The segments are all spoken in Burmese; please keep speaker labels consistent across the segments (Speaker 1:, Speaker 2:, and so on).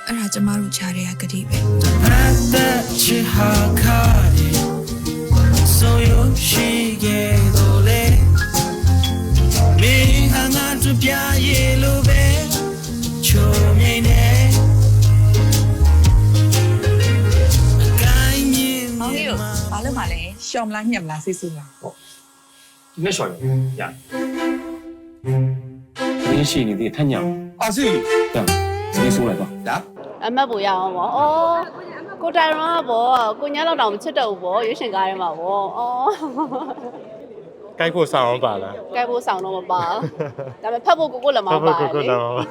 Speaker 1: အဲ့ဒါကျမတို့ကြားတဲ့ကတိပဲ
Speaker 2: So you she get ole me hanga to pya yellow be cho me ne kai ni
Speaker 3: မောင်ကြီးတို့ဘာလို့မှလဲရှော့မလားညက်မလားစိတ်ဆူလား
Speaker 4: 那小人呀，联系你的太娘，
Speaker 5: 阿信，
Speaker 4: 对，直接说来吧。
Speaker 5: 来，
Speaker 6: အမတ်ပူရအောင်ပေါ့။အော်ကိုတိုင်ရောကပေါ့ကိုညလောက်တောင်မချစ်တော့ဘူးပေါ့ရွေးရှင်ကားရဲမှာပေါ့။အော်
Speaker 7: 该过上网版了，
Speaker 6: ကဲဖို့ဆောင်တော့မပါဘူး။ဒါပေမဲ့ဖတ်ဖို့ကိုလည်းမပါဘူးလေ။
Speaker 7: 上网版。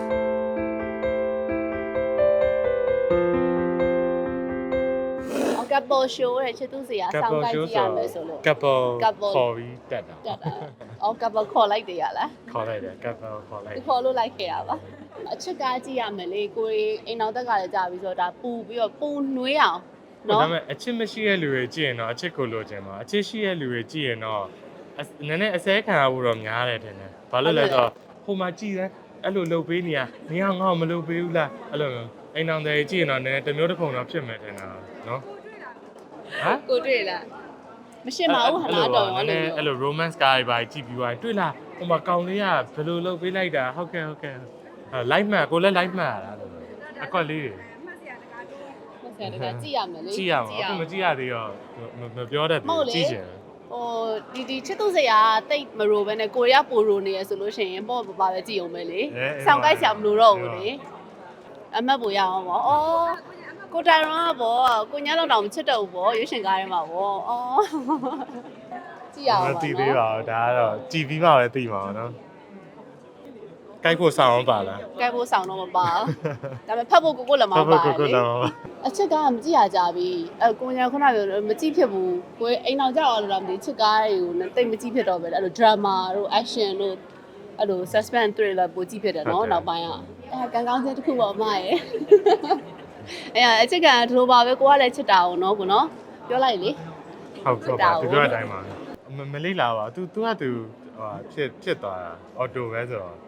Speaker 6: ကပ်ပေါ်ရှိုးတဲ့ချစ်သူစရာဆောင်းကိုင်းကြည့်ရမယ်ဆိုလို့
Speaker 7: ကပ်ပေါ်ခေါ်ပြီးတက်တာ
Speaker 6: တက်တာ။အော်ကပ်ပေါ်ခေါ်လိုက်တယ်ရလား
Speaker 7: ခေါ်လိုက်တယ်ကပ်ပေါ်ခေါ်လိုက်
Speaker 6: ။ဒီခေါ်လို့လိုက်ခဲ့ရပါ။အချစ်ကားကြည့်ရမယ်လေကိုရီအိမ်တော်တက်ကလည်းကြာပြီဆိုတော့ဒါပူပြီးတော့ပူနှွေးအောင်
Speaker 7: ဒါ
Speaker 6: နော်
Speaker 7: ပေမဲ့အချစ်မရှိတဲ့လူတွေကြည့်ရင်တော့အချစ်ကိုလိုချင်မှာအချစ်ရှိတဲ့လူတွေကြည့်ရင်တော့နည်းနည်းအစဲခံရဖို့တော့များတယ်ထင်တယ်ဘာလို့လဲဆိုတော့ဟိုမှာကြည့်တယ်အဲ့လိုလှုပ်ပေးနေရနေအောင်ငါ့ကိုမလှုပ်ပေးဘူးလားအဲ့လိုအိမ်တော်တွေကြည့်ရင်တော့နည်းနည်းတစ်မျိုးတစ်ပုံတော့ဖြစ်မယ်ထင်တာနော်ဟမ်
Speaker 6: ကိုတွေ့လားမရှင်းပါဘူးဟာလားတော်ရောလို့
Speaker 7: အဲ့လို romance ကားတွေပါကြည့်ပြီးသွားတွေ့လားဟိုမှာကောင်လေးကဘယ်လိုလှုပ်ပေးလိုက်တာဟုတ်ကဲ့ဟုတ်ကဲ့ live မှကိုလည်း live မှရတာလို့အကွက်လေးတွေ
Speaker 6: ဟုတ်ကဲ့တကယ်ကြည့်ရမယ်လေ
Speaker 7: ကြည့်ရမှာအခုမကြည့်ရသေးတော့မပြောတတ်ဘူးကြည့်ချင်
Speaker 6: ဟိုဒီချစ်သူစရာတိတ်မရိုးပဲနဲ့ကိုရီးယားပိုရိုနေရဆိုလို့ရှိရင်ပေါ့ပါပဲကြည့်အောင်ပဲလေဆောင်းကိုက်ဆရာမလို့တော့ဘူးလေအမတ်ပူရအောင်ပေါ့အော်ကိုတိုင်ရောကပေါ့ကိုညလောက်တောင်မချစ်တော့ဘူးပေါ့ရွေးရှင်ကားရဲမှာပေါ့အော်ကြည့်ရအောင်
Speaker 7: မ
Speaker 6: ပါ
Speaker 7: သိသေးပါဘူးဒါကတော့ကြည်ပြီးမှပဲသိမှာနော်ကိုက်ဖို့ဆောင်အောင်ပါလား
Speaker 6: ကဲဖို့ဆောင်တော့မပါဘူးဒါပေမဲ့ဖတ်ဖို့ကိုလည်းမပါ
Speaker 7: ကို
Speaker 6: ဘူး
Speaker 7: ကို
Speaker 6: လေ
Speaker 7: လော
Speaker 6: အချစ်ကားမကြည့်ရကြပြီကိုညာခုနကပြောမကြည့်ဖြစ်ဘူးကိုအိမ်အောင်ကြောက်အောင်လို့တော့မသိချစ်ကားတွေကိုတိတ်မကြည့်ဖြစ်တော့ပဲအဲ့လို drama တို့ action တို့အဲ့လို suspense thriller ပိုကြည့်ဖြစ်တယ်နော်နောက်ပိုင်းကကန်ကောင်းချင်းတစ်ခုပေါ့အမရဲ့အချစ်ကဒီလိုပါပဲကိုကလည်းချစ်တာအောင်နော်ကိုနော်ပြောလိုက်လေ
Speaker 7: ဟုတ်ပါဒီလိုအတိုင်းပါမလေးလာပါ तू က तू ဟိုဖြစ်သွားတာအော်တိုပဲဆိုတော့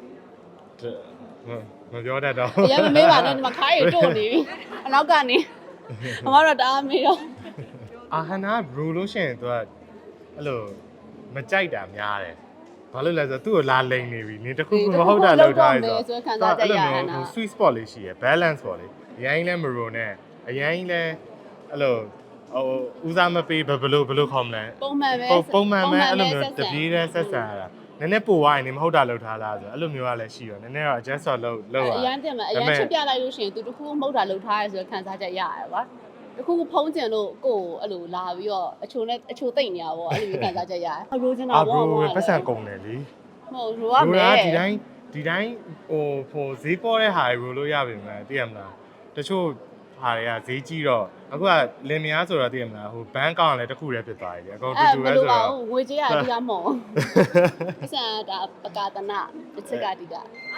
Speaker 7: မပြောတတ်တော့
Speaker 6: အရင်မမေးပါနဲ့ဒီမှာခါးရီတို့နေပြီအနောက်ကနေအမတော့တအားမေးတော့
Speaker 7: အာဟနာဘရူလို့ရှိရင် तू ကအဲ့လိုမကြိုက်တာများတယ်ဘာလို့လဲဆိုတော့သူ့ကိုလာလိန်နေပြီနေတစ်ခုခုမဟုတ်တာလောက်ထားရဆိုတော့ sweet spot လေးရှိရယ် balance ပေါ့လေအရင်လဲမရိုနဲ့အရင်လဲအဲ့လိုဟိုဦးစားမပေးဘယ်လိုခေါ်မလဲ
Speaker 6: ပုံမှန်ပဲ
Speaker 7: ပုံမှန်ပဲအဲ့လိုမျိုးတပြေးတဲ့ဆက်ဆံရတာနည်းနည်းပိုသွားရင်နေမဟုတ်တာလောက်ထားလားဆိုအဲ့လိုမျိုးကလည်းရှိရောနည်းနည်းတော့ adjust လုပ်ရ
Speaker 6: အရန်တင်မှာအရန်ချစ်ပြလိုက်လို့ရှိရင်သူတခုမဟုတ်တာလှုပ်ထားရဲဆိုတော့ခံစားချက်ရရတယ်ကွာတခုဖုံးကျင်လို့ကိုယ်အဲ့လိုလာပြီးတော့အချိုသိမ့်နေရပါဘောအဲ့လိုမျိုးခံစားချက်ရတယ်ရိုးချင်တာ
Speaker 7: အာဘ
Speaker 6: ဘော
Speaker 7: ရိုပတ်စံကုန်တယ်လေ
Speaker 6: ဟုတ်ရိုးရမယ်
Speaker 7: ဒီတိုင်းဟိုဈေးပေါ်တဲ့ဟာတွေရိုလို့ရပြီမလားသိရမလားတချို့ဟာတွေကဈေးကြီးတော့အခုကလင်မယားဆိုတော့သိရမလားဟိုဘန်းကောင်းလည်းတစ်ခုတည်းဖြစ်သွားပြီအကုန်တူတူပဲဆိုတော့
Speaker 6: ငွေကြေးရအဓိကမဟုတ်ပတ်စံဒါပကာတနာတစ်ချက်ကအဓိက